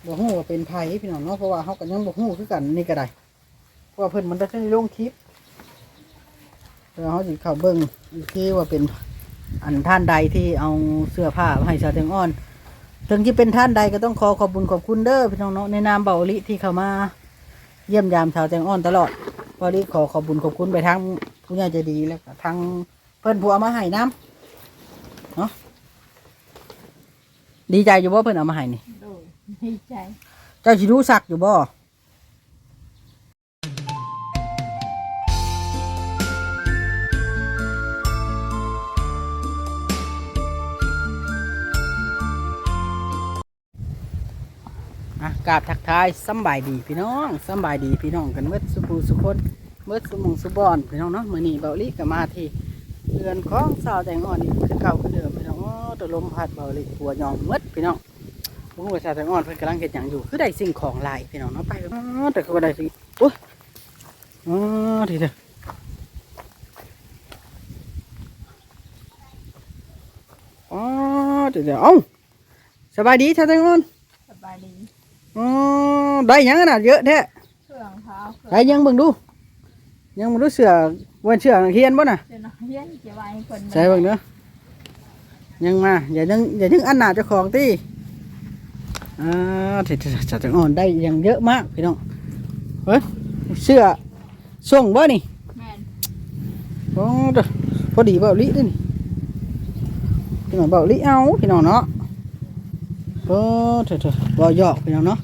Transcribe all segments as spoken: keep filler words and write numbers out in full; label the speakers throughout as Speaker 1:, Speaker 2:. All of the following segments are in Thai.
Speaker 1: บ่ฮู้ว่าเป็นไผพี่น้องเนาะเพราะว่าเฮาก็ยังบ่ฮู้คือกันนี่ก็ได้เพราะว่าเพิ่นมันได้ลงคลิปแล้วเฮาสิเข้าเบิ่งอีกทีว่าเป็นอันท่านใดที่เอาเสื้อผ้ามาให้ชาวแตงอ่อนถึงจะเป็นท่านใดก็ต้องขอขอบคุณขอบคุณเด้อพี่น้องเนาะในนามเบาลิที่เข้ามาเยี่ยมยามชาวแตงอ่อนตลอดเบาลิขอขอบคุณขอบคุณไปทั้งผู้ใหญ่ใจดีแล้วก็ทั้งเพิ่นผู้เอามาให้น้ำเนาะดีใจอยู่บ่เพิ่นเอามาให้นี่
Speaker 2: ดีใจ
Speaker 1: เจ้าสิรู้สักอยู่บ่อ่ะกราบทักทายสำบายดีพี่น้องสำบายดีพี่น้องกันเมื่อสุภูสุคนเมื่อสมงสุบอนพี่น้องเนาะมื้อนี้เบาลิก็มาที่เรือนของสาวแตงอ่อนนี่คือเก่าคือเดิมพี่น้องอ๋อตะลมพัดเบาลิหัวยองมืดพี่น้องผมว่าสาวแตงอ่อนเพิ่นกำลังเฮ็ดหยังอยู่คือได้สิ่งของหลายพี่น้องเนาะไปอ๋อแต่ก็ได้สิโอ้ยอ๋อทีเดียวอ๋อทีเดียวเอ้าสบายดีสาวแตงอ่อน
Speaker 2: สบายดี
Speaker 1: อ๋อได้หยังขนาดเยอะแท้
Speaker 2: เครื่องเท้า
Speaker 1: ได้ยังเบิ่งดูยังบ่รู้เสือวันเสือเฮียนบ่น่ะ
Speaker 2: เดี๋ยวนะเฮียนเก็บไว้คน
Speaker 1: ใส่เบิ่งเด้อยังมาอย่ายังอย่ายังอันหนาเจ้าของติอ่าที่จะจะอ่อนได้ยังเยอะมากพี่น้องเฮ้ยเสื้อส่งบ่นี่
Speaker 2: แม่น
Speaker 1: โอ้พอดีเบาลิด้วยนี่พี่น้องเบาลิเอาพี่น้องเนาะโอ้เถอะๆบ่หยอกพี่น้องเนาะ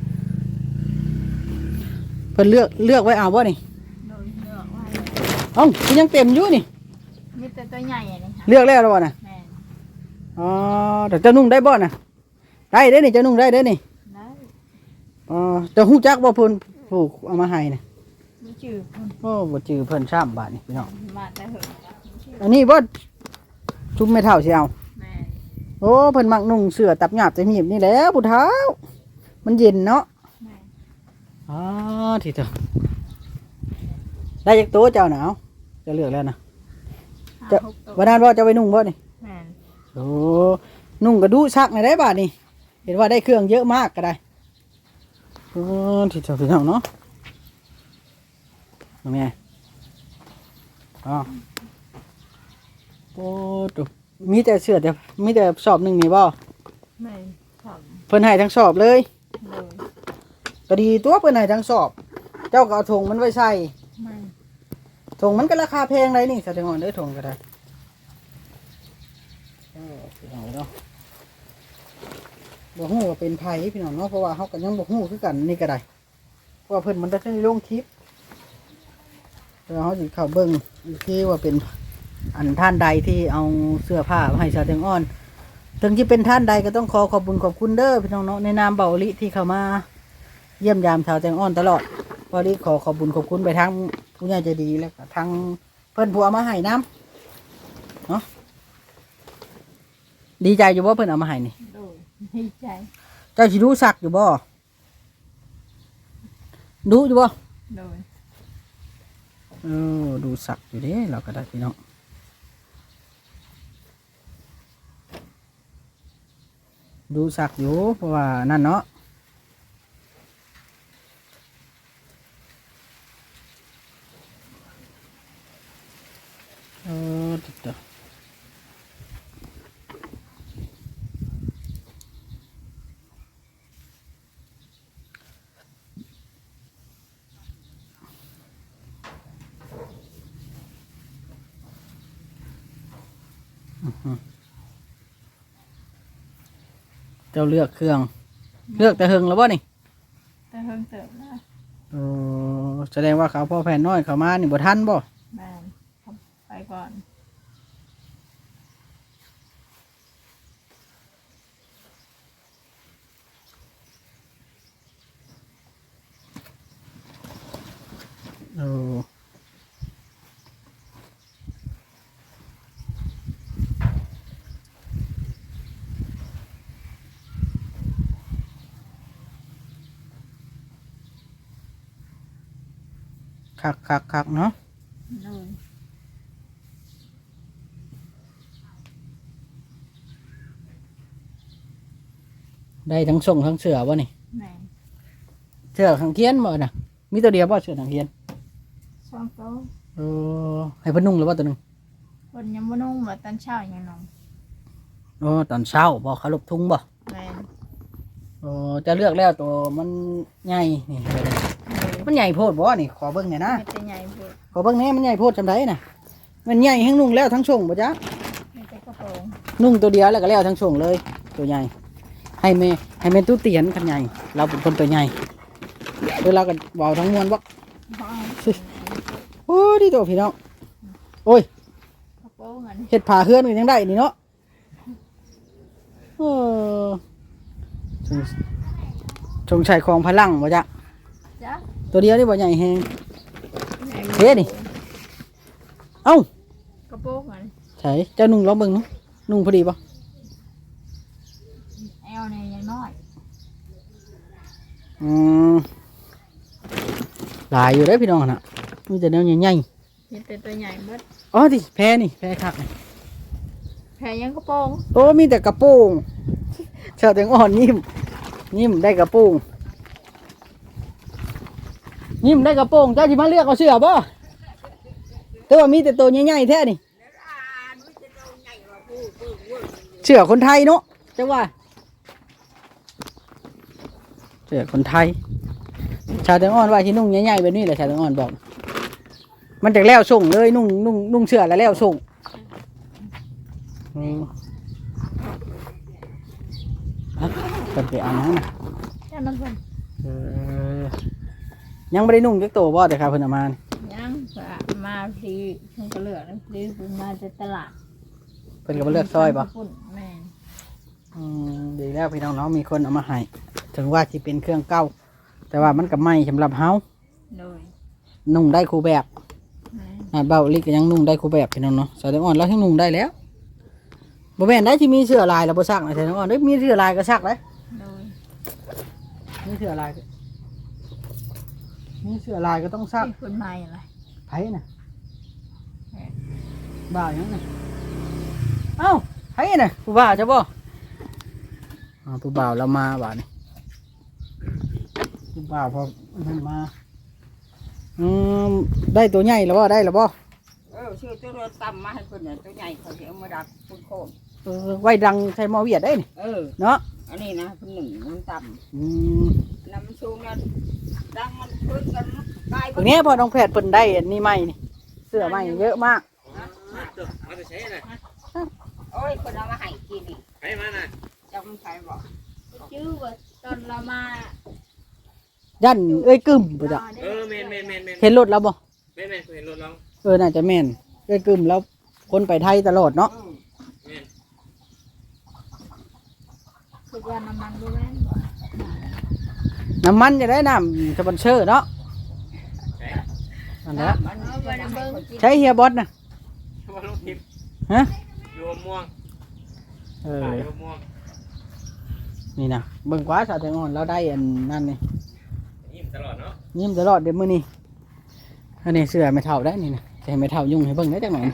Speaker 1: เพิ่นเลือกเลือกไว้เอาบ่นี่
Speaker 2: โดยเลือกไว้
Speaker 1: เอ้ายังเต็มอยู่นี่
Speaker 2: มีแต่ตัวใหญ่นี่ค่ะ
Speaker 1: เลือกแล้วแล้วบ่น่ะ
Speaker 2: แม่น
Speaker 1: อ๋อแต่เจ้านุ่งได้บ่น่ะได้เด้นี่เจ้านุ่งได้เด้นี่
Speaker 2: ได้
Speaker 1: อ๋อเจ้าฮู้จักบ่เพิ่นผูกเอามาให้น่ะ
Speaker 2: บ่จื้อเพิ่น
Speaker 1: โอ้บ่จื้อเพิ่นซ้ำบาดนี่พี่น้อง
Speaker 2: มาแต่เหิง
Speaker 1: อันนี้บ่ชุบไม่เท่าสิเอา
Speaker 2: แม่น
Speaker 1: โอ้เพิ่นมักนุ่งเสื้อตับหยาบจะหีบนี่แหล้วผู้เฒ่ามันเย็นเนาะ
Speaker 2: แม่น
Speaker 1: อ๋อทีเถอะได้จักโตเจ้าหนาวจะเลือกแล้วนะจะวันนั้นว่าจะไปนุ่งบ่นี่
Speaker 2: แม่น
Speaker 1: โอ้นุ่งกระดูชักในได้บาทนี่เห็นว่าได้เครื่องเยอะมากก็ได้โอ้ทีเถอะพี่น้องเนาะตรงนี้อ๋อโอ้ตุมีแต่เสื้อแต่มีแต่สอบหนึ่งนี่บ่
Speaker 2: แม่นครับ
Speaker 1: เพิ่นให้ทั้งสอบเลย
Speaker 2: เลย
Speaker 1: ก็ดีตัวเพิ่นให้ทั้งสอบ เจ้าก็เอาถุงมันไว้ใส่
Speaker 2: แม่น
Speaker 1: ถุงมันก็ราคาแพงเลยนี่แสดงว่าได้ถุงก็ได้เออพี่น้องเนาะบ่ฮู้ว่าเป็นไผพี่น้องเนาะเพราะว่าเฮาก็ยังบ่ฮู้คือกันนี่ก็ได้เพราะว่าเพิ่นมันได้ลงคลิปแล้วเฮาสิเข้าเบิ่งอีกทีว่าเป็นอันท่านใดที่เอาเสื้อผ้ามาให้ชาวแตงอ่อนถึงจะเป็นท่านใดก็ต้องขอขอบคุณขอบคุณเด้อพี่น้องเนาะในนามเบาลิที่เข้ามาเยี่ยมยามชาวแตงอ่อนตลอดเบาลิขอขอบคุณขอบคุณไปทั้งผู้ใหญ่ใจดีแล้วก็ทั้งเพิ่นผู้เอามาให้น้ำเนาะดีใจอยู่บ่เพิ่นเอามาให้นี่
Speaker 2: โดยดีใจ
Speaker 1: เจ้าสิรู้สักอยู่บ่ดูอยู่บ่
Speaker 2: โดย
Speaker 1: เออดูสักอยู่เด้เราก็ได้พี่น้องดูสักอยู่เพราะว่านั่นเนาะเออติดต่อเจ้าเลือกเครื่องเลือกแต่เฮงแล้วบ่นี่
Speaker 2: แต่เพิ่งเติมนะ
Speaker 1: โอ้แสดงว่าเขาพ่อแผ่นน้อยเขามานี่บ่ทันบ่
Speaker 2: แม่นไปก่อน
Speaker 1: โอ้คักคักคักเนาะได้ทั้งส่งทั้งเสือวะนี่
Speaker 2: แม่น
Speaker 1: เสื้อขังเคียนบ่น่ะมีตัวเดียวบ่เสื้อขังเคียน
Speaker 2: สองโต๊ะ
Speaker 1: เออให้เพิ่นนุ่งหรือว่าตัวหนึง
Speaker 2: คนยังบ่นุ่งว่าตอนเช้ายังนอน
Speaker 1: โอ้ตอนเช้าบ่เขาลบทุ่งบ่
Speaker 2: แม่น
Speaker 1: โอ้จะเลือกแล้วตัวมันใหญ่นี่เบิ่ง
Speaker 2: เลย
Speaker 1: มันใหญ่โพดบ่นี่ขอเบิ่งหน่อยนะ
Speaker 2: ไม่แต่ใหญ่เบิด
Speaker 1: ขอเบิ่งแหน่มันใหญ่โพดจำได้น่ะมันใหญ่แฮงนุ่งแล้วทั้งช่วงบ่จ๊ะ
Speaker 2: ไม่แต่กระโปรง
Speaker 1: นุ่งตัวเดียวแล้วก็แล้วทั้งช่วงเลย ตัวใหญ่ให้แม่ให้แม่ตู้เตียนคันใหญ่เราเป็นคนตัวใหญ่เวลาก็เว้าทั้งมวลบ่
Speaker 2: บ้า
Speaker 1: โอ้ดีตัวพี่น้องโอ้ย
Speaker 2: กระโปรงอัน
Speaker 1: เห็ดผ่าเฮือนกันยังได้นี่เนาะเออสงสงชัยของพลังบ่จ๊ะ
Speaker 2: จ้ะ
Speaker 1: ตัวเดียวนี่บ่ใหญ่แฮง
Speaker 2: ใหญ่
Speaker 1: เฮ้นี่ เอ้าก
Speaker 2: ระโปรงอัน
Speaker 1: ใช่เจ้านุ่งลองเบิ่งเนาะนุ่งพอดีป่ะ
Speaker 2: แอลเนี่ยยังน้อย
Speaker 1: อืมหลายอยู่เด้อพี่น้องน่ะมีแต่แนวใหญ่
Speaker 2: มีแต่ตัวใหญ่เบิด
Speaker 1: ๆอ๋อดิแพ้นี่แพ้คักนี่
Speaker 2: แพรยังกระโปรง
Speaker 1: โอ้มีแต่กระโปรงเช้าแตงอ่อนยิ้มยิ้มได้กระโปรงยิ้มได้กระโปรงเจ้าสิมาเลือกเอาเสื้อบ่แต่ว่ามีแต่ตัวใหญ่ๆแท้นี่เสื้อคนไทยเนาะจังว่าเสื้อคนไทยชาวแตงอ่อนว่าที่นุ่งใหญ่ๆแบบนี้แหละชาวแตงอ่อนบอก มันจากแล้วส่งเลยนุ่งนุ่งนุ่งเสื้อแล้วแล้วส่งนี่ฮะเปิดไปเอาน้ำนะ
Speaker 2: แค่นั้นเพิ่น
Speaker 1: เออยังไม่ได้นุ่งจักตัวบ่แต่ครับเพิ่นเอามา
Speaker 2: ยังก็มาทีเพิ่นก็เลือกนะทีเพิ่นมาจากตลาด
Speaker 1: เพิ่นก็มาเลือกซอยบ่
Speaker 2: ปุ่นแม่น
Speaker 1: อืมดีแล้วพี่น้องเนาะมีคนเอามาให้ถึงว่าที่เป็นเครื่องเก่าแต่ว่ามันก็ไม่สำหรับเฮา
Speaker 2: โดย
Speaker 1: นุ่งได้คู่แบบ
Speaker 2: แม่น
Speaker 1: อ่าเบาลิกก็ยังนุ่งได้คู่แบบพี่น้องเนาะสาวแตงอ่อนแล้วที่นุ่งได้แล้วบ่แม่นได้ที่มีเสื้อลายแล้วบ่ซักนะสาวแตงอ่อนเด้ยมีเสื้อลายก็ซักเลย
Speaker 2: โดย
Speaker 1: มีเสื้อลายก็มีเสื้อลายก็ต้องซัก
Speaker 2: ที่คนใหม่อะไร
Speaker 1: ไผน่ะบ่าวยังน่ะเอ้าไผน่ะผู้บ่าวจะบ่อ่าผู้บ่าวเรามาบ่านี่ผู้บ่าวพอมันมาอืมได้ตัวใหญ่แล้วบ่ได้แล้วบ่
Speaker 3: เออชื่อตัวรถต่ำมาให้คนเนี่ยตัวใหญ่เขาจะเอามาดักคุณโคม
Speaker 1: เออไว้ดังใส่หมอเวียดได้นี่
Speaker 3: เออ
Speaker 1: เนาะ
Speaker 3: อันนี้นะคนหนึ่งมันต่
Speaker 1: อืม
Speaker 3: ำน้ำมันสูงนะดังมันพื้นกันตาย
Speaker 1: ตรงนี้พอน้องแพทย์เพิ่นได้อันนี้ใหม่นี่เสื้อใหม่เยอะมาก
Speaker 4: มาจะใช้น่ะ
Speaker 3: โอ้ยคนเอามาให้กินนี่
Speaker 4: ใช้มาน่ะ
Speaker 3: จะมันใครบอก
Speaker 2: ชื่อว่าตอนเรามา
Speaker 1: ยันเอ้ยกึ่มบ่จ้ะ
Speaker 4: เออแมนแมนแมนแมน
Speaker 1: เห็นรถแล้วบ่
Speaker 4: แมนแมนเคยเห็นรถเรา
Speaker 1: เออน่าจะแม่นเอ้ยกึ่มแล้วคนไปไทยตลอดเนาะ
Speaker 3: เออ
Speaker 4: แมน
Speaker 2: คือว่าน้ำมันดูแม่นบ่
Speaker 1: น้ำมันจะได้น้ำสปอนเซอร์เนาะ
Speaker 4: ใช้
Speaker 1: นั่นแหละ
Speaker 3: มันจะให้คนกิน
Speaker 1: ใช้เฮียบอสนะ
Speaker 4: ว่าลูกทิพย์
Speaker 1: ฮะ
Speaker 4: อยู่ม่วง
Speaker 1: เออ
Speaker 4: อยู่ม่วง
Speaker 1: นี่นะเบิ่งกว่าสาวแตงอ่อนเราได้อันนั่นนี่
Speaker 4: ยิ้มตลอดเนาะ
Speaker 1: ยิ้มตลอดเดี๋ยวมื้อนี้อันนี้เสื้อไม่เท่าได้นี่นะแต่ไม่เท่ายุ่งให้เบิ่งได้จังหน่อย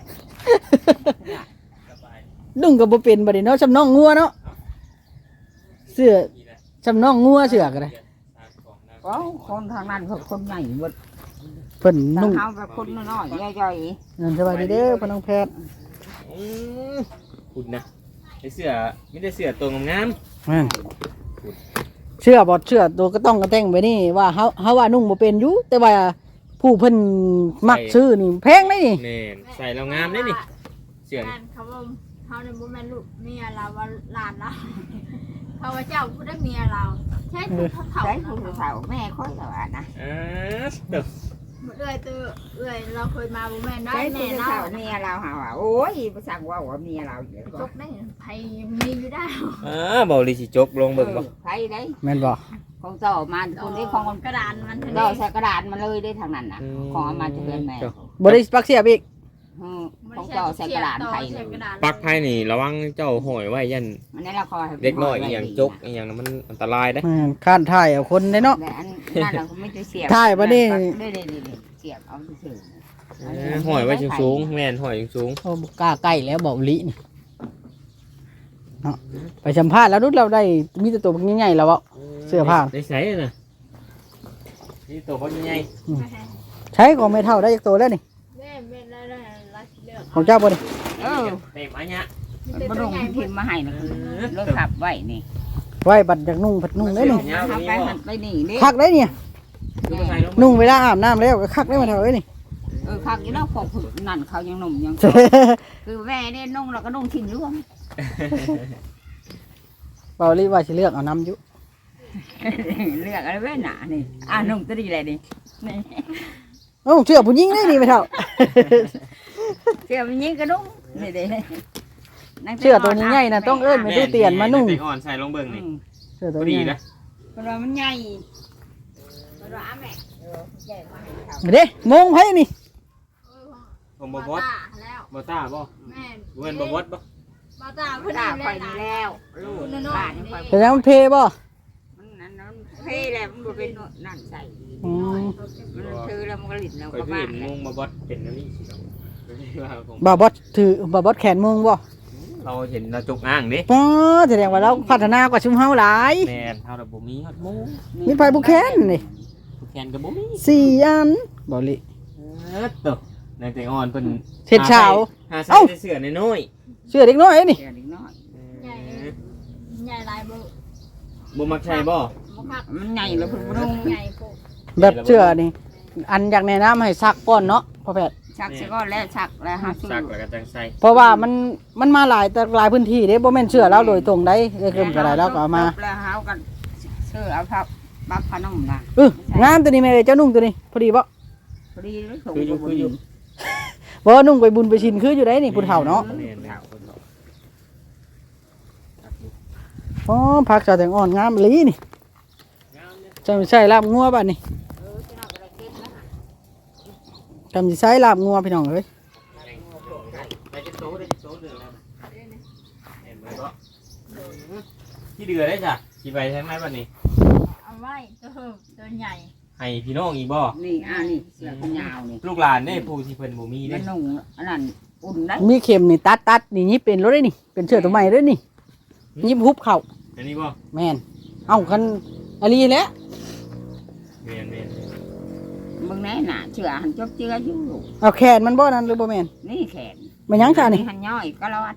Speaker 4: สบาย
Speaker 1: ดุ้งก็บ่เป็นบัดนี้เนาะสำน้องงัวเนาะเสื้อ
Speaker 4: ดีแหละ
Speaker 1: สำน้องงัวเสื้อก็ได้
Speaker 4: ตามของนะ
Speaker 3: ก็คนทางนั้นเขาคนใหญ่หมด
Speaker 1: เพิ่น
Speaker 3: ทาง
Speaker 1: นุ่ง
Speaker 3: เขาแบบคนน้อยๆย่อย
Speaker 1: นั่นสบายดีเด้อพ่อน้องแพทย์
Speaker 4: อืมคุณนะไอเสื้อไมแต่ได้เสื้อตัวงาม
Speaker 1: แม่นเสื้อบ่เสื้อตัวก็ต้องกระแต่งไปนี่ว่าเฮาเฮาว่านุ่งบ่เป็นอยู่แต่ว่าผู้เพิ่นมักซื้อนี่แพงเลยนี่
Speaker 4: ๆแมนใส่แล้วงามได้นี่เสื้อ
Speaker 2: แม่
Speaker 4: นี่
Speaker 2: นเขาว่าเขาเนี่ยบ่แม่นลูกเมียเราว่าหลานเราเขาว่าเจ้าผู้ได้เมียเราใช่ผู้เขา
Speaker 3: ๆ
Speaker 2: เขา
Speaker 3: ใช้
Speaker 2: นะ
Speaker 3: ผู้สาวแม่ค่อยแล้วอ่ะนะ
Speaker 4: อ่าเด้อ
Speaker 2: เอื้อยตัวเอื้อยเราเคยมาบ่แม่นได้
Speaker 3: ใช้
Speaker 2: แม่
Speaker 3: ผู้
Speaker 2: เรา
Speaker 3: สาวเมียเราหาว่าโอ้ยภาษาว่าว่าเมียเราอยู่
Speaker 2: จกได้ไผมีอยู่ได้
Speaker 4: อ่าเบาลีสิจกลงเบิ่งบ่
Speaker 3: ใครได้
Speaker 1: แม่นบ่
Speaker 3: ของต่อมาคนที่ของ
Speaker 2: กระดานมันเท่า
Speaker 3: ต่อ
Speaker 2: นี้
Speaker 3: ใส่กระดาษมาเลยได้ทางนั้นนะของเอามาจะเป็นแม่
Speaker 1: บ่ได้ปักเสียบอีก
Speaker 3: อืมของต่อใส่กระดาษไทยเลย
Speaker 4: ปักไพ่นี่ระวังเจ้าห้อยไว้ยัน
Speaker 3: อันนี้เราคอยให้
Speaker 4: เด็กน้อยอหย่างจกอหย่างนั้นมันอันตรายได้
Speaker 1: แม่นข้านถ่ายเอาคนได้เนาะ
Speaker 3: แต่อันนั่นเราไม่จะเสียบ
Speaker 1: ถ่ายมาดิ
Speaker 3: ได้ได้ได้เสียบเอาเฉย
Speaker 4: เออห้อยไว้สูงๆแม่นห้อยสูง
Speaker 1: โอ้บ่กล้าใกล้แล้วบอกลินี่เนาะไปสัมภาษณ์แล้วนุดเราได้มีแต่ตัวใหญ่ๆแล้วอ่ะ
Speaker 4: ๆอืม
Speaker 1: เสื้อผ้า
Speaker 4: ได้ใส่น่ะนี่ตัวเขาใหญ่
Speaker 1: ใช้ของไม่เท่าได้จากตัวแล้วนี่
Speaker 2: แม่แม่ได้ได้รักเลือก
Speaker 1: ของเจ้าบ่นี่
Speaker 3: เออ
Speaker 4: เต็มอันเนี้ย
Speaker 3: บ่ลงพิมพ์มาให้นะรถขับไว้นี่
Speaker 1: ไว้บัดจากนุ่งผัดนุ่งได้นี่
Speaker 3: ทำไปหันไปนี่นี่
Speaker 1: คักได้เนี่ย
Speaker 4: คือมาใส่ลง
Speaker 1: นุ่งเวลาอาบน้ำแล้วก็คักได้มาเท่าไอ้นี่
Speaker 3: เออคักอยู่แล้วพอนั่นเขายังหนุ่มยังคือแม่เนี่ยนุ่งแล้วก็นุ่งทิ้งร่วง
Speaker 1: เบาลีว่าสิเลือกเอาน้ำอยู่
Speaker 3: เลือกอะไรไว้หนานี่อ่านุ่งตัวนี้เลยนี่นี่
Speaker 1: เอ้าเสื้อผู้หญิงได้นี่ไม่เท่า
Speaker 3: เสื้อมันยิงกระนุ่งนี่เด้
Speaker 1: เสื้อตัวนี้ใหญ่น่ะต้องเอิ้นไปดูเตียนมานุ่ง
Speaker 4: แตอ่อนใส่ลงเบิ่งนี่
Speaker 1: เสื้อตัว
Speaker 4: พอดี
Speaker 1: นี้
Speaker 4: นะ
Speaker 3: เพราะว่ามันใหญ่เพราะว่าแม่เออใหญ่มากเขา
Speaker 1: เด้มงไผนี่
Speaker 4: ผมบ่บอส
Speaker 2: แล้ว
Speaker 4: บ่ต้าบ่
Speaker 2: แม่
Speaker 4: เว้นบ่บอสบ่
Speaker 2: บาตา
Speaker 3: เว
Speaker 2: เพิ่น
Speaker 3: ลา
Speaker 2: ได้
Speaker 3: คอยดีแล้วลูกบ้านคอย
Speaker 1: แต่ยังมันเพบ่
Speaker 3: มันนั่นนั่นเพ่แล้วมันบ่เป็นนั่นใส่
Speaker 1: อืม
Speaker 3: มันถือแล้วมันก็หลิดแล้ว
Speaker 4: ข่อย
Speaker 3: ก็
Speaker 4: เพิ่
Speaker 3: บ้าน
Speaker 4: น
Speaker 3: แห
Speaker 4: ง
Speaker 3: ละ
Speaker 4: งมาบอสเป็นอันนี้สิเนาะว่าผม
Speaker 1: บ่าวบอสถือบ่าวบอสแขนมงบ่
Speaker 4: เราเห็นเราจกอ้างดิ
Speaker 1: อ๋อแสดงว่าเราพัฒนากว่าชุมเฮาหลาย
Speaker 4: แม่นเฮาน่ะบ่มีฮอดหมู
Speaker 1: มีไผบุแขนนี่
Speaker 4: ผู้แคนก็บ่มี
Speaker 1: สี่อันบ่ลิ
Speaker 4: เออตบนางแตงอ่อนเพิ่น
Speaker 1: เฮ็ดเช้า
Speaker 4: หาใส่
Speaker 1: เอ้า
Speaker 4: แต่เสื้อน้อย
Speaker 1: เสื้อเด็กน้อยนี่
Speaker 3: เดี๋ยวนิดน้อย
Speaker 4: ๆ
Speaker 2: ใหญ่
Speaker 4: เออ
Speaker 2: ใหญ่ลายบ่
Speaker 4: บ่มักใช่บ่
Speaker 2: บ่คัก
Speaker 3: มันใหญ่แล้วเพิ่นบ่ลง
Speaker 2: ใหญ่โพด
Speaker 1: แบบเสื้อนี่ อันอยากแนะนำให้ซักก่อนเนาะพ่อแพทย์
Speaker 3: ชักซะก่อนแล้วชักแล้วหาซื้อ
Speaker 4: ซักแล้วก็จังใส่
Speaker 1: เพราะว่ามันมันมาหลายแต่หลายพื้นที่เด้บ่แม่นเสื้อเราโดยตรงได้เอ้ยเพิ่นก็ได้เราก็เอามา
Speaker 3: แล้วหากันซื้อเอาพับบักพนมน่ะ
Speaker 1: เอองามตัวนี้แม่เอ้ยเจ้านุ่งตัวนี้พอดีบ่
Speaker 3: พอดีเลยส่ง
Speaker 4: คืออยู่คืออยู่
Speaker 1: บ่นุ่งไปบุญไปชินคืออยู่ได้นี่ผู้เฒ่าเนาะ
Speaker 4: แม่นๆคนเนาะ
Speaker 1: อ๋อผักสะแตงอ่อนงามอีหลีนี่
Speaker 4: งามเนี่ย
Speaker 1: จำสิใช้ลาบงัวบัดนี้
Speaker 3: เออจะเอาอะไรกินนะ
Speaker 1: จำสิใช้ลาบงัวพี่น้องเอ้ย
Speaker 4: ได้จะโตได้จะโตเดือดแล้วเห็นไหมก็ที่เดือดได้จ้ะสิไปทางไหนบัดนี้
Speaker 2: เอาไว้ตัวตัวใหญ่
Speaker 4: ให้พี่น้องอีกบ่
Speaker 3: นี่อ่านี่เสือกันยาวนี่
Speaker 4: ลูกหลานเด้ผู้ที่เพิ่นบ่มี
Speaker 3: มั
Speaker 4: เด้
Speaker 3: นนุ่งอันนั้นอุ่นได้
Speaker 1: มีเข็มนี่ตัดตัดนี่ยิบเป็นรถได้นี่เป็นเสื้อตัวใหม่เด้อนี่ยิบฮุบเข้า
Speaker 4: อันนี้บ่
Speaker 1: แม่นเอ้าคันอันนี้แหละ
Speaker 4: แม่นแม่น
Speaker 3: มึงแน่น่ะเชื่อหันจบเจืออยู่
Speaker 1: เอาแขนมันบ่นั่นหรือบ่แม่น
Speaker 3: นี่แขน
Speaker 1: มันหยังซะนี่
Speaker 3: หันย่อยก็รอด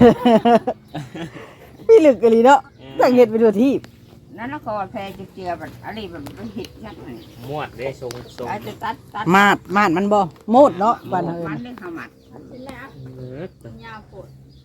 Speaker 1: พี่ลึกอีหลีเนาะตั้งเฮ็ดไปทั่วที่
Speaker 3: นั่นแล้วก็แพรจบเจือแบบอะไรแบบหิดนั่นนี่
Speaker 4: มวดเด้ทรงทรง
Speaker 3: อาจจะตัดตัด
Speaker 1: มาดมาดมันบ่โมดเนาะบ้านเฮา
Speaker 3: มั
Speaker 1: เอิ้
Speaker 3: น
Speaker 1: น
Speaker 3: เรื่องข้าวหมัด
Speaker 2: เสร็จแล้ว
Speaker 4: เออย
Speaker 2: าวโพด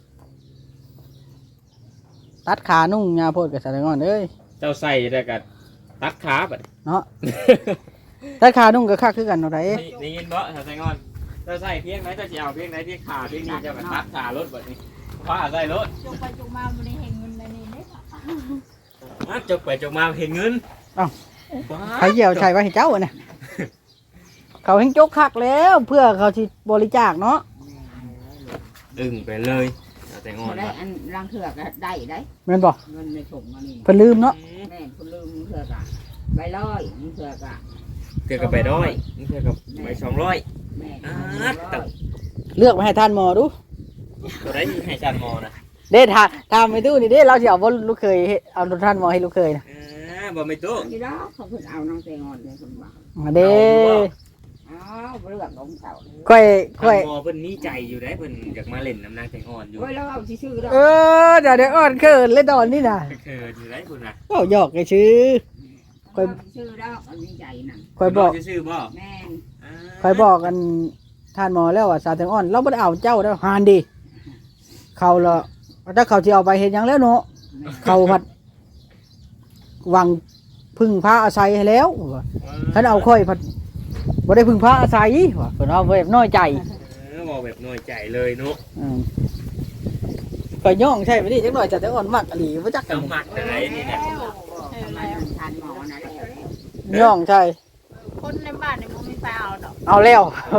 Speaker 1: ตัดขานุ่งยาโพดกับสะแตงอ่อนเอ้ย
Speaker 4: เจ้าใส่ได้วก็ตัดขาบัด
Speaker 1: เนาะตัดขานุ่งก็คักคือกันเนาะได
Speaker 4: ได้ได้ยินบ่ถ้าใส่งอนเจ้าใส่เพียงไหนเจ้าสิเอาเพียงไหนเพียงขาเพียงนี้เจ้าก็ตัดขารถบัดนี้ว่าใส่รถ
Speaker 2: จงไปจงมาบ่ได้เห็นเงินเลยนี่เด้อ
Speaker 4: อ่ะจกไปจกมาเห็นเงิน
Speaker 1: ใครเหี่ยวใช่ว่าให้เจ้าอะเนี่ยเขาเห็นจกคักแล้วเพื่อเขาสิบริจาคเนาะ
Speaker 4: ดึงไปเลยเอาแต่งอน
Speaker 3: ได้
Speaker 4: ว่ะ
Speaker 3: อันรังเถือกได้ได้
Speaker 1: แม่นบ่
Speaker 3: เงินในถุงมานี่
Speaker 1: เพิ่นลืมเนาะ
Speaker 3: แม่คุณลืมเถือกอะใบร้อยเถือกอะ
Speaker 4: เกือบกับไปร้อยเกือบกับไปสองร้อย
Speaker 3: แม่
Speaker 4: อ่าตับ
Speaker 1: เลือกมาให้ท่านหมอดู
Speaker 4: ตัวได้ให้ชันมอนะ
Speaker 1: เด้ถ้าถ้าไม่ตู้นี่เด้เราสิเอาบ่ลูกเคยเฮ็ดเอาท่านหมอให้ลูกเคยนะ
Speaker 4: อ่าบ่ไม่ตู้
Speaker 3: ที่แล้วเขาเพิ่งเอาน้องเตงอนเลยคุณบอก
Speaker 1: มาเด้
Speaker 3: อ้าวเรื่องของเขา
Speaker 1: ค่อยค่อย
Speaker 4: มอเพิ่นนี่ใจอยู่ได้เพิ่นอยากมาเล่นน้ำนางแตงอ่อนอยู่
Speaker 3: โอ้ยแล้วเอาชื่อแล้ว
Speaker 1: เออเดี๋ยวเดี๋ยวอ่อนเคินเลยดอนนี่น่ะ
Speaker 4: เคินอยู่ได้คุณน่ะ
Speaker 1: เว้าหยอกไอ้ชื่อ
Speaker 3: ค่อยชื่อแล้วอันนี้ใจนั่น
Speaker 1: ค่อยบอก
Speaker 4: ชื่อบ่
Speaker 3: แม่น
Speaker 1: ค่อยบอกกันท่านหมอแล้วว่าสาแตงอ่อนเราบ่ได้เอาเจ้าแล้วหานดีเขาละถ้าเขาสิเอาไปเฮ็ดหยังแล้วเนาะเขาพัดหวังพึ่งพาอาศัยให้แล้วว่าคันเอาค่อยพัดบ่ได้พึ่งพาอาศัยว่าเพิ่นเอาไว้น้อยใจ
Speaker 4: เออบอกแบบน้อยใจเลยเนาะ
Speaker 1: อืมก็ย่องใช่ไปดิจักหน่อยจะแต่อ่อนมักอหลีบ่จักกั
Speaker 4: ต้อน งหมักอะไรนี่นะ
Speaker 3: ทำไมมันทานหมอนะ
Speaker 1: ย่องใช่
Speaker 2: คนในบ้านนี่บ่มีไฟเอาดอก
Speaker 1: เอาแล้ว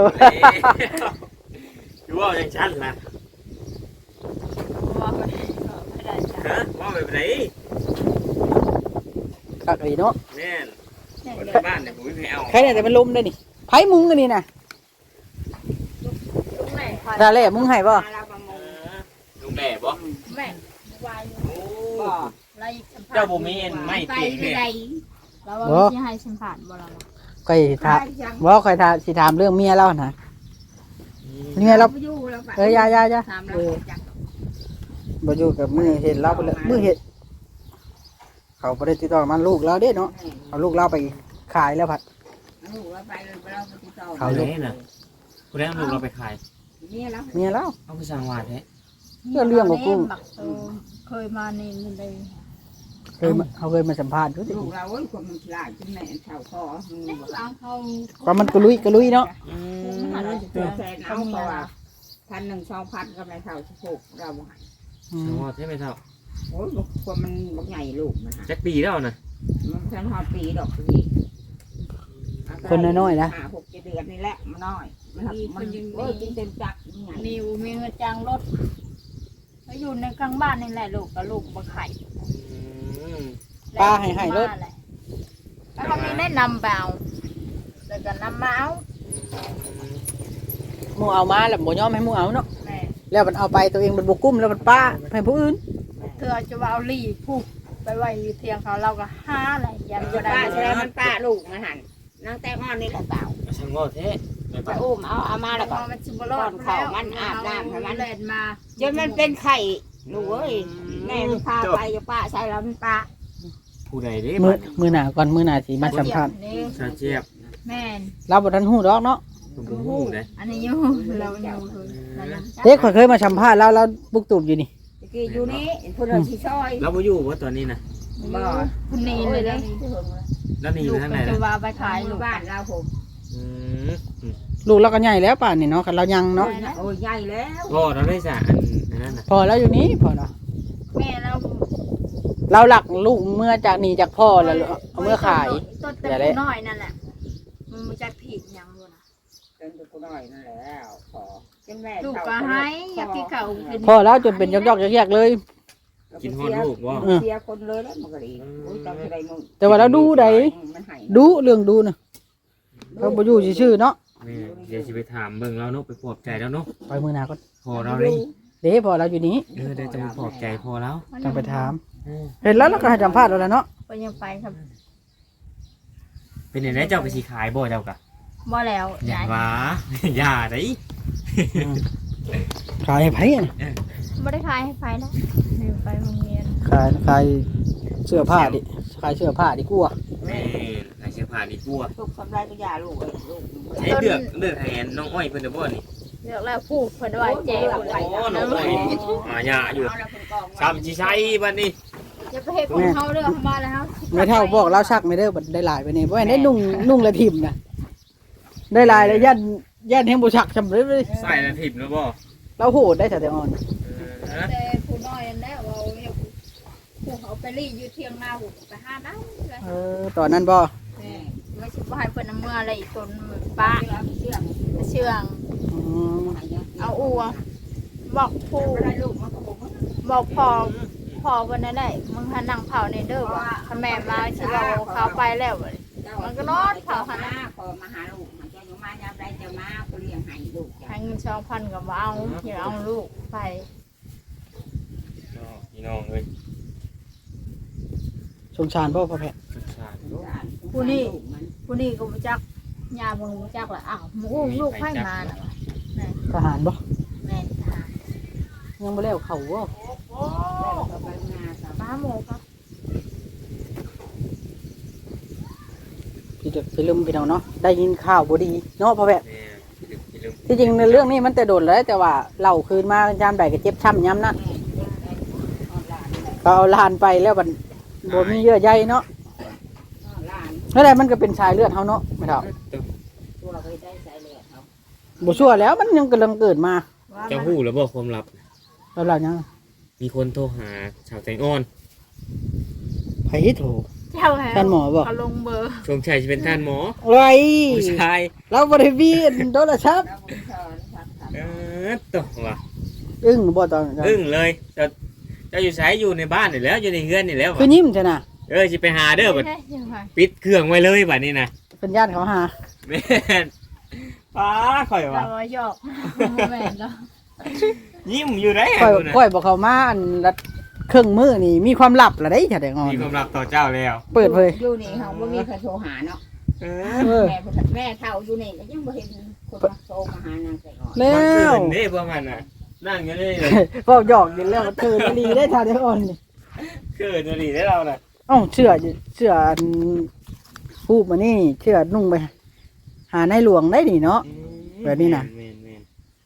Speaker 4: ดูว่าอย่างฉันล่ะ
Speaker 2: เพราะว่าไม่ไม่ได้จ้ะ
Speaker 4: ฮะว่าแบบไหน
Speaker 1: คักอหลีเนาะ
Speaker 4: แม่นคนในบ้านเนี่ยผมไม่ให้เอา
Speaker 1: ใครเนี่ยแต่มันลมได้นี่ไผมุงกันนี่น่ะ
Speaker 2: ลุงแม่
Speaker 1: ดาแล่มุงให้บ่
Speaker 3: มาลาประม
Speaker 4: เอง อลุงแม่บ่
Speaker 2: แม่วายอยู่
Speaker 4: โอ้
Speaker 3: บ่
Speaker 2: ไล่
Speaker 4: เจ้าบ่มีอันไม่
Speaker 3: ไป
Speaker 4: เตียง
Speaker 3: ไม่
Speaker 4: เนี่ย
Speaker 3: ได้
Speaker 2: แล้วว่าสิให้สัมผัสบ่ล่ะวะ
Speaker 1: ค่อยถามบ่ค่อยถามสิถามเรื่องเมียเรานะเมียเรา
Speaker 3: อยู่แล้วไป
Speaker 1: เอ้ยยายายา
Speaker 3: ถาม
Speaker 1: เอ
Speaker 3: เรา
Speaker 1: อ
Speaker 3: จัก
Speaker 1: บ่อยู่กับมือเห็นเราไปเลยมือเห็นเขาบ่ได้ติดต่อมาลูกเราเด้เนาะเอาลูกเราไปขายแล้วผัด
Speaker 3: ลูกเราไปเราไปติดต่อ
Speaker 1: เขาลูก
Speaker 4: คุณได้เอาลูกเราไปขาย
Speaker 3: เมียเรา
Speaker 1: เมียเรา
Speaker 4: เอาไปสั่งหวานแท้
Speaker 1: เรื่องเรื่องของกุ้ง
Speaker 2: บักโตเคยมานี่มันได้
Speaker 1: เคยมาเขาเคยมาสัมภาษณ์ดูสิ
Speaker 3: ลูกเราโอ้ยคนมันฉลาดจนแม่เท่าคอ
Speaker 2: เอาเขา
Speaker 1: ว่ามันกระลุยกระลุยเนาะ
Speaker 4: อืม
Speaker 3: มันเราจะแสนเอาเพราะว่าพันหนึ่งสองพันก็ไม่เท่าสิบหกเราบ่ให้
Speaker 1: อื
Speaker 4: สั่ง
Speaker 1: ม
Speaker 4: หวานแท้ไม่เท่า
Speaker 3: โอ้ยคนมันบักใหญ่ลูกมันฮะ
Speaker 4: จักปีแล้วนะ
Speaker 3: มันฉันหอดปีดอกนี่
Speaker 1: คนน้อยๆนะ
Speaker 3: ห้าหกเจ็ดเดือนนี่แหละมันน้อยมันมันโอ้ยกินเต็มจักใหญ่
Speaker 2: มีมีเงินจ้างรถไปอยู่ในกลางบ้านนี่แหละลูกกับลูกบ่ไข่
Speaker 4: อืม
Speaker 1: ป้าให้ให้รถ
Speaker 2: แล้วเขามีแนะนำเปล่าแล้วก็นำมาเอา
Speaker 1: หมูเอามาแล้วบ่ยอมให้หมูเอาเนาะ
Speaker 2: แม่
Speaker 1: แล้วมันเอาไปตัวเองมันบ่กุ้มแล้วมันป้าให้ผู้อื่น
Speaker 2: เธอจะว่าเอาลีผูกไปไว้อยู่เทียงเขาเราก็ห้าอะไรยัน
Speaker 3: มัน
Speaker 2: ก็
Speaker 3: จะ
Speaker 2: ได้
Speaker 3: ป้าใช่ไหมมันป้าลูกมันหันนางแตงอ่อนนี่แหละเต่า
Speaker 4: สั่งหวานแท้ไม่
Speaker 3: ไป
Speaker 4: ปะ
Speaker 3: อุ้มเอาเอามาแล้วก็
Speaker 2: มันจิบลอดเล่นมา
Speaker 3: จนมันเป็นไข่ลูกเอ้ยแม่มันพาไปจะป้าใช่แล้วมันป้า
Speaker 4: ผู้ใดเด้
Speaker 1: มือ
Speaker 4: บัด
Speaker 1: มือหน้าก่อนมือหน้าสิมาสัมภาษณ์
Speaker 2: นี่
Speaker 4: ชาเจี๊ยบ
Speaker 2: แม่น
Speaker 1: เราบ่ทันฮู้ดอกเนาะ
Speaker 4: ผมบ่ฮู้เด้
Speaker 2: อันนี้อยู่เราอยู่คือนั่นน่ะ
Speaker 1: เด็กข่อยเคยมาสัมภาษณ์แล้วแล้วบุกตูบอยู่นี่
Speaker 3: ตะกี้อยู่นี่พูดเราชี้ช่อย
Speaker 4: เราบ่อยู่ว่าตอนนี้นะ
Speaker 3: บ่
Speaker 2: คนนี้เลยเด้
Speaker 4: แล้วนี่อ
Speaker 2: ลู
Speaker 4: ยู่
Speaker 2: ก
Speaker 4: ทางไหน
Speaker 2: ก็จะ
Speaker 4: นะ
Speaker 2: ว่าไปขาย
Speaker 3: อ
Speaker 2: ลู
Speaker 3: ยู่
Speaker 2: ก
Speaker 3: บ้านเราผม
Speaker 4: อืมอืม
Speaker 1: ลูกเราก็ใหญ่แล้วป่านนี่เนาะคันเรายังเนาะ
Speaker 3: โอ้ยใหญ่แล้ว
Speaker 4: พ่อเราได้สะอันอันนั้นน่ะ
Speaker 1: พอแล้วอยู่นี้พอแล้ว
Speaker 2: แม่เรา
Speaker 1: เราหลักลูกเมื่อจากนี่จากพ่อแล้วเอาเมื่อขาย
Speaker 2: ต้นเต็มน้อยนั่นแหละมันมาจากผิดยังลูกนะ
Speaker 3: เป็นตัวน้อยนั่นแหละขอเป็นแม่
Speaker 2: ลูกก็ให้อยากกินข้าวกิน
Speaker 1: พ่อแล้วจนเป็นยอกๆแยกๆเลย
Speaker 4: กินฮอดลูกบ่
Speaker 3: เสียคนเลยแล้วมันก็ดีโอ้ยจำได้มึง
Speaker 1: แต่ว่าเราดูได้
Speaker 3: มันให้
Speaker 1: ดูเรื่องดูน่ะเขาบ่อยู่ชื่อๆเนาะ
Speaker 4: แม่เดี๋ยวสิไปถามเบิ่งแล้วเนาะไปปลอบใจแล้วเนาะ
Speaker 1: ไปมือหน้าก่อน
Speaker 4: พอเราได้
Speaker 1: เด้พอเราอยู่นี้
Speaker 4: เออเดี๋ยวจะไปปลอบใจพอแล้ว
Speaker 1: ต้องไปถาม เห็นแล้วเราก็ให้สัมภาษณ์แล้วแหละเนาะ
Speaker 2: ไปยังไปครับ
Speaker 4: เป็นยังไงเจ้าไปสิขายบ่เจ้ากะ
Speaker 2: บ่แล้ว
Speaker 4: อย่า
Speaker 2: ย้าย
Speaker 4: ว่า อย่าได้
Speaker 1: ขายให้ไผอะ
Speaker 2: ไม่ได้ขายให้ไฟนะเดี๋ยวไปโรงเรียน
Speaker 1: ขายขายเสื้อผ้าดิขายเสื้อผ้าดีกว่า
Speaker 4: แม่ขายเสื้อผ้าดีกว่า
Speaker 3: ลูกทำไรก็อย่าลูกเลยลูก
Speaker 4: ใช้เลือกเลือกให้น้องอ้อยเพิ่นเด้อบ่นี่
Speaker 2: เลือกแล้วพูดเพิ่นว่าเจ๊
Speaker 4: โอ้น้องอ้อยอ่าอย่าอยู่
Speaker 3: เอาแล้วคนกอง
Speaker 4: ซ้ำสิใช้บัดนี้
Speaker 2: จะไปเฮ็ดของเขาเด้อมาแล้ว
Speaker 1: ไม่เท่าบอกเราชักไม่ได้บัดได้หลายไปนี่บ่แม่นได้นุ่งนุ่งและทิ่มนะได้หลายแล้วยันยันแห่งบ่ชักจำเลย
Speaker 4: ใส่แล้วทิ่มแล้วบ่
Speaker 1: เราโหดได้แต่แต่อ่อน
Speaker 4: เออ
Speaker 2: แต่ผู้น้อยนั่นแหละว่าเอาเนี่ยผู้เขาไปรีอยู่เที่ยงนาหูไปหาได้เลย
Speaker 1: เออตอนนั้นบ่
Speaker 3: แม่
Speaker 2: ไม่ใช่ว่าให้เพิ่นเอามื่ออะไรอีกคนป้า
Speaker 3: เชื่อเชื่อ
Speaker 2: เชื่อง
Speaker 1: อืม
Speaker 2: เอาอัวบอกผู้
Speaker 3: ได้ลูกมันก็บอก
Speaker 2: บอกพอพอวันนั้นได้มึงหันนั่งเผาในเด้อว่าถ้าแม่มาสิว่าเขาไปแล้ว
Speaker 3: มันก็นอนเผาหน้าพอมาหาลูกมันจะอยู่มายามใดจะมาก็เลี้ยงให้ลูก
Speaker 2: ให้เงินสองพันกับว่าเอาอย่าเอาลูกไป
Speaker 4: พี่น้องเอ้ย
Speaker 1: สงสารพ่อพ่อแพทย์
Speaker 4: สุดชาติ
Speaker 2: ผู้นี้ผู้นี้ก็บ่จักยาเบิ่งบ่จักละอ้าวหมูลูกให้มาน่ะ
Speaker 1: ทหารบ่
Speaker 2: แม่ทหาร
Speaker 1: ยังบ่แล้วเขาบ่
Speaker 2: ป้าหมูครับ
Speaker 1: พี่จะไปลืมพี่น้องเนาะได้ยินข่าวบ่ดีเนาะพ่อแพทย์
Speaker 4: แม่พี่ลืมพี่ลืม
Speaker 1: ที่จริงในเรื่องนี้มันแต่โดนแล้วแต่ว่าเล่าคืนมายามใดก็เจ็บช้ำยามนั้นก็เอาหลานไปแล้วมันบ่มีเยื่อใยเนาะแล้วแต่มันก็เป็นสายเลือดเฮาเนาะไม่เท่า
Speaker 3: ตัวเคยได้ใส่เลยเขา
Speaker 1: บ่ชั่วแล้วมันยังกำลังเกิดมา
Speaker 2: ว่า
Speaker 4: เจ้า
Speaker 2: มัน
Speaker 4: ฮู้แล้วบ่ความลับ
Speaker 1: แล้วเรายัง
Speaker 4: มีคนโทรหาชาวแตงอ่อน
Speaker 1: ไผโทร
Speaker 2: เจ้าแฮ
Speaker 1: ท่านหมอบ่
Speaker 2: เขาลงเบอร์
Speaker 4: ชงชัยจะเป็นท่านหมอ
Speaker 1: ไว้
Speaker 4: ผู้ชาย
Speaker 1: เราบ่ได้มีโทรศัพท์
Speaker 3: แล้วบุญเชิญครับ
Speaker 4: เออตัวว่ะ
Speaker 1: อึ้งบ่ตอนนั้น
Speaker 4: อึ้งเลยเจ้าเจ้าอยู่ไสอยู่ในบ้านนี่แล้วอยู่ในเฮือนนี่แล้ว
Speaker 1: คือ
Speaker 4: ว่ะ
Speaker 1: ยิ้มใช่น่ะ
Speaker 4: เออสิไปหาเด้อบัด
Speaker 2: ใช่ใช่
Speaker 4: ปิดเครื่องไว้เลยบัดนี้นะ
Speaker 1: เป็นญาติเขาหา
Speaker 4: แม่นป้าข่อย
Speaker 2: เรา
Speaker 4: ว่ะ
Speaker 2: ว่าหยอกแม่นเนาะ
Speaker 4: ยิ้มอยู่ได้
Speaker 1: ค่อย
Speaker 4: ดูนะ
Speaker 1: ค่อยบ่เข้ามาอันรัดเครื่องมือนี่มีความลับละได้จ้ะแตงอ่อน
Speaker 4: มีความลับต่อเจ้าแล้ว
Speaker 1: เปิดเผย
Speaker 3: อยู่นี่เฮาบ่มีใครโทรหาเนาะ
Speaker 4: เอ
Speaker 1: เออ
Speaker 3: แม่แม่เฒ่าอยู่นี่ก็ยังบ่เห็นคนมาโทรมาหานางแต่ก่อน
Speaker 1: แล้
Speaker 4: มัน
Speaker 1: ว
Speaker 4: เกินเด้พวกมันน่ะนั่งอยู่นี่เลย
Speaker 1: ก็หยอกอยู่แล้วเธอดีได้ทานแตงอ่อนนี่
Speaker 4: เกินจะดีได้เราน่ะ
Speaker 1: เอ้าเชื่อเชื่ออันฮูบมานี่เชื่อนุ่งไปหาในหลวงได้นี่เนาะ แบบนี้น่ะ
Speaker 4: แม่นแม่น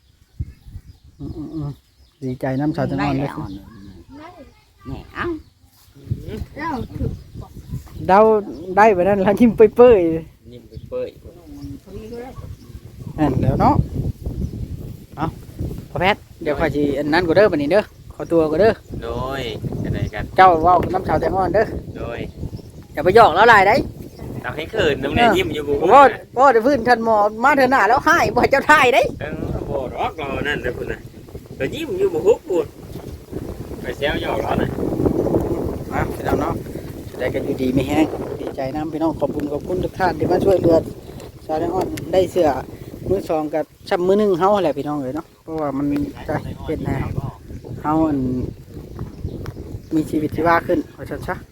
Speaker 1: อืมๆๆดีใจน้ำชาวแตงอ่อนเลย
Speaker 3: ได้แล้วแม่เอ้า
Speaker 2: แล้วถึง
Speaker 1: เดาได้ไปนั่นแล้วยิ้มเปื่อย
Speaker 4: ยิ้มเปื่อย
Speaker 1: ๆนั่นแล้วเนาะเอาพ่อแพทย์เดี๋ยวข้อยสิอันนั้นก็เด้อบัดนี้เด้อขอตัวก็เด้อ
Speaker 4: ๆโดยอะไรกัน
Speaker 1: เจ้าเว้ากับน้ำชาวแตงอ่อนเด้อ
Speaker 4: โดย
Speaker 1: อย่าไปหยอกแล้วหลายได้
Speaker 4: ทำให้เขินน้ำเนี่ยยิ้มอยู่กู
Speaker 1: พ่อพ่อจะพื้นทันหมอมาเถอะหน้าแล้วให้บ่ให้เจ้าทายได้
Speaker 4: เออโบดอกเรานั่นเลยคุณน่ะเรายิ้มอยู่บุกปูดไปเซลหยอกเราน่ะ
Speaker 1: มาพี่น้องเนาะจะได้กันอยู่ดีไม่แห้งดีใจน้ำพี่น้องขอบคุณขอบคุณทุกท่านที่มาช่วยเหลือชาวแตงอ่อนได้เสื้อมือสองกับชับมือหนึ่งเฮาแหละพี่น้องเลยเนาะเพราะว่ามันจะเป็นแนวเฮาอันมีชีวิตชีวาขึ้นว่าซั่นซะ